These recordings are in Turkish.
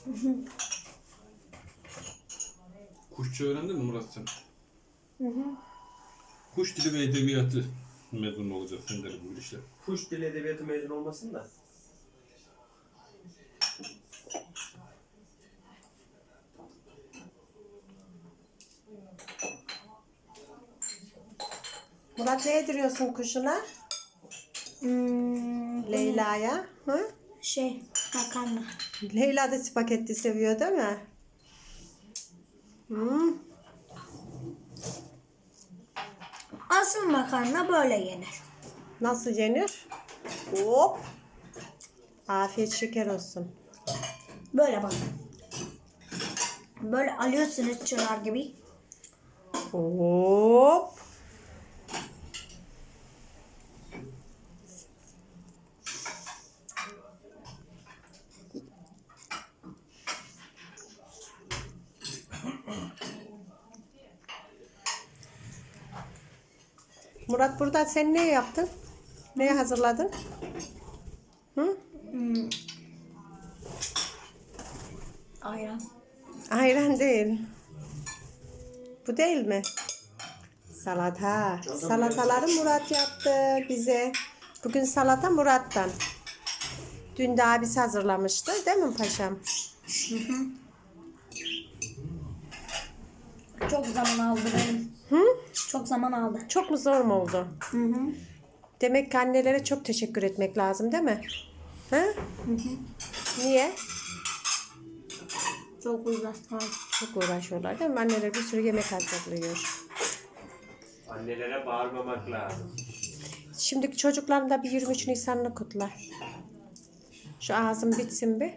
Kuşça öğrendin mi Murat sen? Hı hı. Kuş dili ve edebiyatı mezun olacaksın derim bu işte. Kuş dili edebiyatı mezun olmasın da. Murat, ne yediriyorsun kuşuna? Leyla'ya. Hı? Makarna. Leyla da spagetti seviyor değil mi? Hmm. Asıl makarna böyle yenir. Nasıl yenir? Hop. Afiyet şeker olsun. Böyle bak. Böyle alıyorsunuz çınar gibi. Hop. Murat, burada sen ne yaptın? Ne hazırladın? Hı? Ayran. Ayran değil. Bu değil mi? Salata. Salataları Murat yaptı bize. Bugün salata Murat'tan. Dün de abisi hazırlamıştı. Değil mi paşam? Çok zaman aldı benim. Hı? Çok zaman aldı. Çok mu zor mu oldu? Hı hı. Demek ki annelere çok teşekkür etmek lazım değil mi? Hı? Hı hı. Niye? Çok uğraştım. Çok uğraşıyorlar değil mi? Anneler bir sürü yemek hazırlıyor. Annelere bağırmamak lazım. Şimdiki çocukların da bir 23 Nisan'ını kutla. Şu ağzım bitsin bir.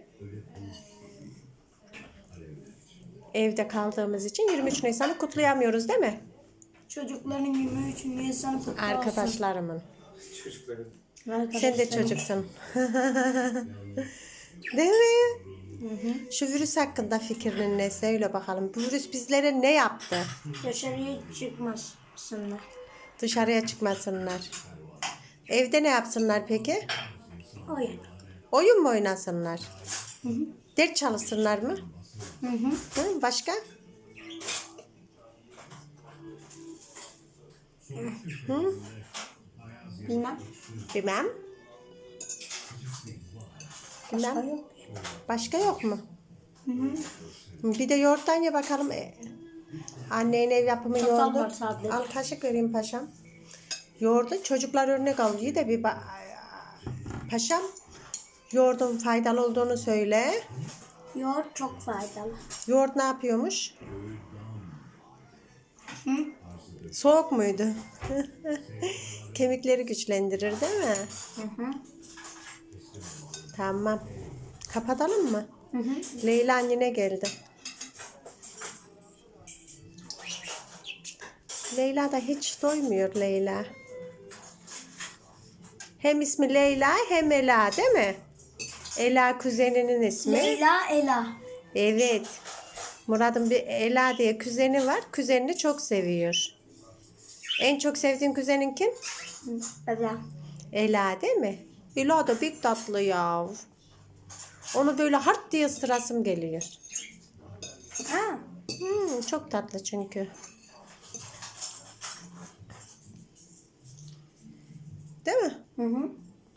Evde kaldığımız için 23 Nisan'ı kutlayamıyoruz değil mi? Çocukların 23 Nisan'ı kutlu olsun. Arkadaşlarımın. Çocukların. Sen de çocuksun. Değil mi? Şu virüs hakkında fikrin ne? Söyle bakalım. Bu virüs bizlere ne yaptı? Dışarıya çıkmasınlar. Dışarıya çıkmasınlar. Evde ne yapsınlar peki? Oyun. Oyun mu oynasınlar? Hı hı. Ders çalışsınlar mı? Hı hı. Hı, başka? Hı? Bilmem. Bilmem. Başka Bilmem. yok. Başka yok mu? Hı hı. Bir de yoğurttan ye bakalım. Annen ev yapımı Çatal yoğurdu. var sadece. Al kaşık vereyim paşam. Yoğurdu çocuklar örnek alıyor da bir paşam. Yoğurdun faydalı olduğunu söyle. Yoğurt çok faydalı. Yoğurt ne yapıyormuş? Hı? Soğuk muydu? Kemikleri güçlendirir değil mi? Hı hı. Tamam. Kapatalım mı? Hı hı. Leyla annene geldi. Leyla da hiç doymuyor Leyla. Hem ismi Leyla hem Ela değil mi? Ela kuzeninin ismi. Leyla Ela. Evet. Murat'ın bir Ela diye kuzeni var. Kuzenini çok seviyor. En çok sevdiğin kuzenin kim? Ela. Ela değil mi? Ela da bir tatlı ya. Onu böyle hart diye ısırasım geliyor. Ha. Çok tatlı çünkü. Değil mi? Hı hı.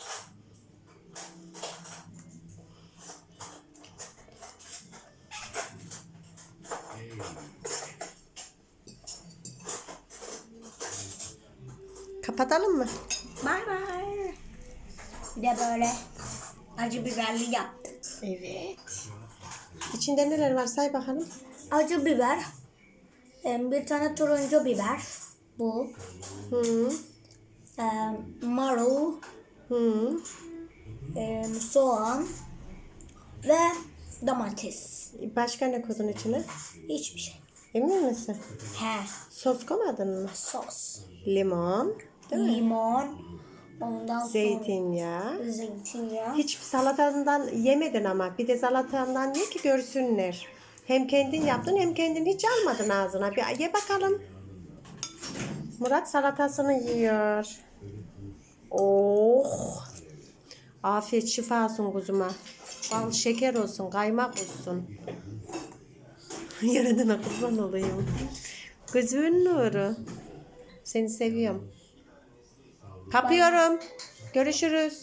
Kapatalım mı? Bay bay. Bir de böyle acı biberli yaptık. Evet. İçinde neler var say bakalım. Acı biber. Bir tane turuncu biber. Bu. Hı. Marul. Hı. Soğan. Ve domates. Başka ne koydun içine? Hiçbir şey. Emin misin? He. Sos koymadın mı? Sos. Limon. Değil mi? Limon. Ondan Zeytinyağı. sonra zeytinyağı. Hiç salatandan yemedin ama. Bir de salatandan ye ki görsünler. Hem kendin yaptın hem kendin hiç almadın ağzına. Bir ye bakalım. Murat salatasını yiyor. Oh. Afiyet şifa olsun kuzuma. Bal şeker olsun, kaymak olsun. Yaradana kurban olayım. Gözümün nuru. Seni seviyorum. Kapıyorum. Görüşürüz.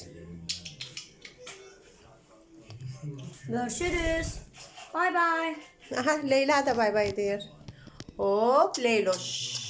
Görüşürüz. Bay bay. Aha Leyla da bay bay diyor. Hop Leyloş.